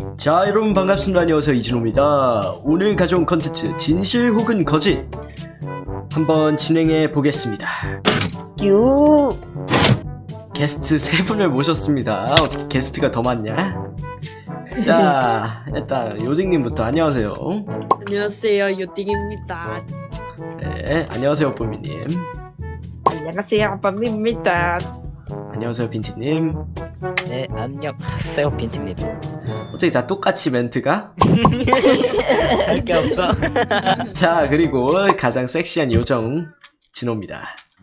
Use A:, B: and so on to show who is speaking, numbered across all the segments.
A: 자, 여러분 반갑습니다. 안녕하세요, 이진호입니다. 오늘 가져온 컨텐츠 진실 혹은 거짓 한번 진행해 보겠습니다.
B: 유.
A: 게스트 3분을 모셨습니다. 어떻게 게스트가 더 많냐? 자, 일단 요딩님부터 안녕하세요.
C: 안녕하세요, 요띵입니다.
A: 네, 안녕하세요, 뽀미님.
B: 안녕하세요, 밤입니다.
A: 안녕하세요, 빈티님.
D: 네, 안녕하세요, 빈티입니다.
A: 어떻게 다 똑같이 멘트가?
D: 할 게 없어.
A: 자, 그리고 가장 섹시한 요정 진호입니다.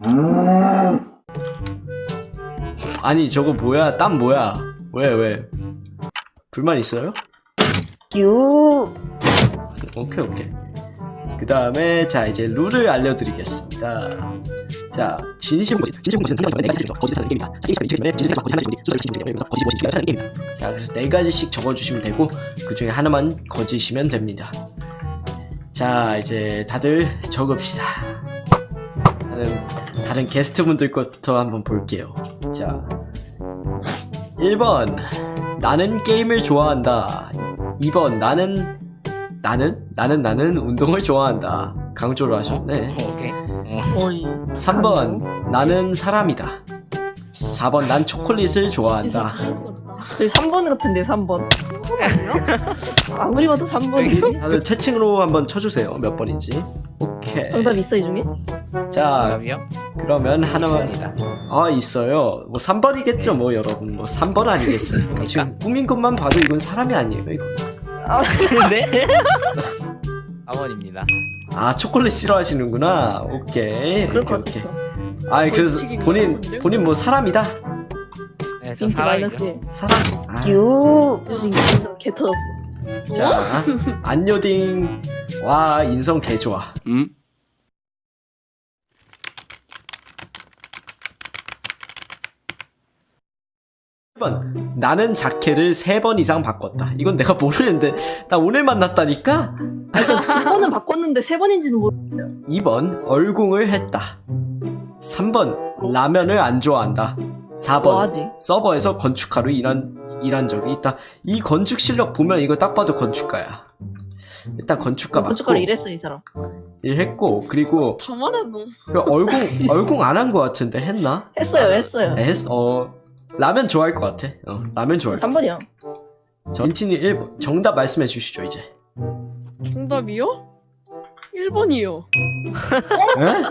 A: 아니, 저거 뭐야? 땀 뭐야? 왜? 불만 있어요?
B: 유.
A: 오케이. 그 다음에 자, 이제 룰을 알려드리겠습니다. 자, 진실 혹은 거짓 상관없이 네 가지 거짓하는 게임이다. 게임 진실 거짓하는 게임이 거짓하는 게임이다. 자, 그래서 4가지씩 적어주시면 되고 그 중에 하나만 거짓이면 됩니다. 자, 이제 다들 적읍시다. 다른 게스트분들 것부터 한번 볼게요. 자, 1번 나는 게임을 좋아한다. 2번 나는 운동을 좋아한다. 강조를 하셨네.
D: 오케이.
B: 어이.
A: 3번 나는 사람이다. 4번 난 초콜릿을 좋아한다.
B: 저희 3번 같은데 3번. 3번 아니야? 아무리 봐도 3번이네.
A: 다들 채팅으로 한번 쳐주세요. 몇 번인지. 오케이.
B: 정답 있어 이 중에?
A: 자,
D: 정답이요?
A: 그러면 하나만.
D: 있습니다.
A: 아, 있어요. 뭐 3번이겠죠 뭐 여러분. 뭐 3번 아니겠습니까? 지금 꾸민 것만 봐도 이건 사람이 아니에요 이거.
D: 네? 4번입니다.
A: 아, 초콜릿 싫어하시는구나. 오케이.
B: 그럴 것
A: 오케이.
B: 같았어.
A: 아, 그래서
C: 벌칙인가
A: 본인 뭐 사람이다.
D: 네, 저
B: 빈티
D: 사람이죠.
B: 마이너스.
A: 사람. 아.
B: 유. 인성 개 터졌어.
A: 자, 안요딩. 와, 인성 개 좋아. 1번 나는 자켓을 3번 이상 바꿨다. 이건 내가 모르는데 나 오늘 만났다니까.
B: 아니, 2번은 바꿨는데 3번인지는 모르.
A: 2번 얼공을 했다. 3번 라면을 안 좋아한다. 4번
B: 뭐하지?
A: 서버에서 건축가로 일한 적이 있다. 이 건축 실력 보면 이거 딱 봐도 건축가야. 일단 건축가 맞고
B: 건축가로 일했어 이 사람.
A: 일했고, 그리고
C: 다 말했노.
A: 얼공 안 한 거 같은데 했나?
B: 했어요.
A: 했어. 라면 좋아할 것 같아. 라면 좋아할 것 같아.
B: 3번이야.
A: 전틴이 1번 정답 말씀해 주시죠 이제.
C: 정답이요? 1번이요.
A: 에?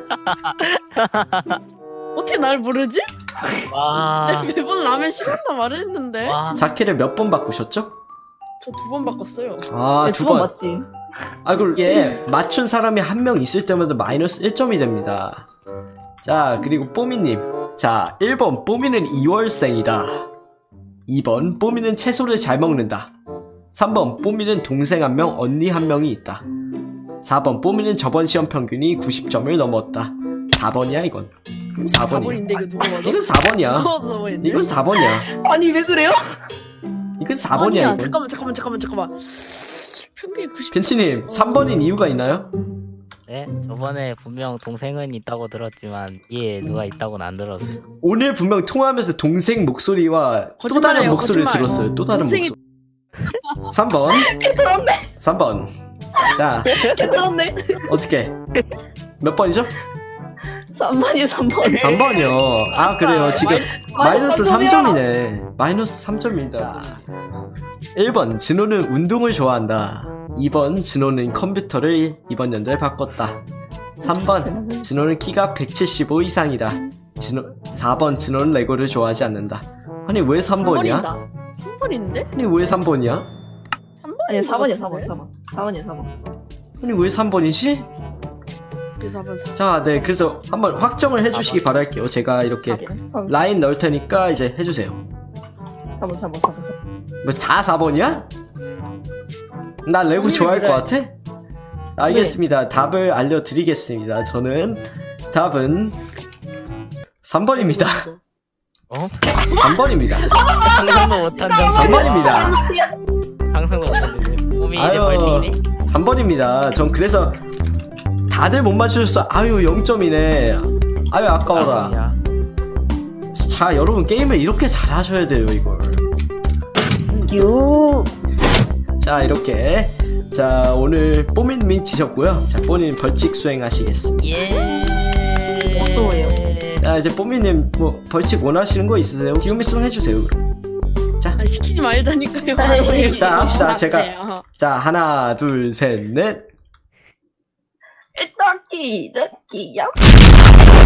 C: 어떻게 날 모르지?
D: 와.
C: 매번 라면 싫어한다 말했는데.
D: 와.
A: 자켓을 몇 번 바꾸셨죠?
C: 저 2번 바꿨어요.
A: 아,
B: 네,
A: 2번.
B: 2번 맞지?
A: 아, 그리고 이게 맞춘 사람이 한 명 있을 때마다 마이너스 1점이 됩니다. 자, 그리고 뽀미님. 자, 1번 뽀미는 2월생이다. 2번 뽀미는 채소를 잘 먹는다. 3번 뽀미는 동생 1명, 언니 1명이 있다. 4번 뽀미는 저번 시험 평균이 90점을 넘었다. 4번이야 이건. 4번이야.
C: 4번인데 이거 누가 봐도?
A: 이건 4번이야.
C: 누가 봐도 4번인데?
A: 이건 4번이야.
B: 아니 왜 그래요?
A: 이건 4번이야
C: 아니야,
A: 이건.
C: 잠깐만. 평균이 90.
A: 벤치님 3번인 이유가 있나요?
D: 네, 저번에 분명 동생은 있다고 들었지만 얘 누가 있다고는 안 들었어.
A: 오늘 분명 통화하면서 동생 목소리와 또 다른
C: 거짓말이에요,
A: 목소리를
C: 거짓말.
A: 들었어요. 또 다른
C: 동생이-
A: 목소리. 3번.
B: 개터졌네.
A: 3번. 자,
B: 개터졌네.
A: 어떻게? 몇 번이죠?
B: 3번이요 3번.
A: 3번이요. 아, 그래요. 지금 마이너스
B: 삼 점이야.
A: 3점이네. 마이너스 3점입니다. 1번, 진호는 운동을 좋아한다. 2번, 진호는 컴퓨터를 이번 연도에 바꿨다. 3번, 진호는 키가 175 이상이다. 4번, 진호는 레고를 좋아하지 않는다. 아니, 왜 3번이야?
C: 3번인데?
A: 아니, 왜 3번이야?
C: 3번이
B: 아니 4번이야 4번이야 4번.
A: 아니, 왜 3번이지?
C: 그래서 4번.
A: 자, 네, 그래서 한번 확정을 해주시기 바랄게요. 제가 이렇게
B: 4번
A: 라인 넣을 테니까 이제 해주세요.
B: 4번.
A: 뭐 다 4번이야? 나 레고
C: 본인이
A: 좋아할 것
C: 그래.
A: 같아? 알겠습니다. 답을 알려드리겠습니다. 저는 답은 3번입니다.
D: 어?
A: 3번입니다.
D: 상상도 못한 점.
A: 3번입니다.
D: 상상도 못한 점. 몸이 이제
A: 아유,
D: 벌칙이네.
A: 3번입니다. 전 그래서 다들 못 맞추셨어. 아유, 0점이네. 아유, 아까워라.
D: 야.
A: 자, 여러분 게임을 이렇게 잘하셔야 돼요, 이걸.
B: 유.
A: 자 이렇게 자 오늘 뽀민님이 지셨고요. 자 뽀민 벌칙 수행하시겠습니다.
D: 예.
B: 또예요.
A: 자 이제 뽀민님 뭐 벌칙 원하시는 거 있으세요? 기우미 송 해주세요.
C: 아, 시키지 말자니까요.
B: 아이,
A: 자 합시다. 제가
C: 네,
A: 자 하나 둘 셋 넷.
B: 럭키 럭키 야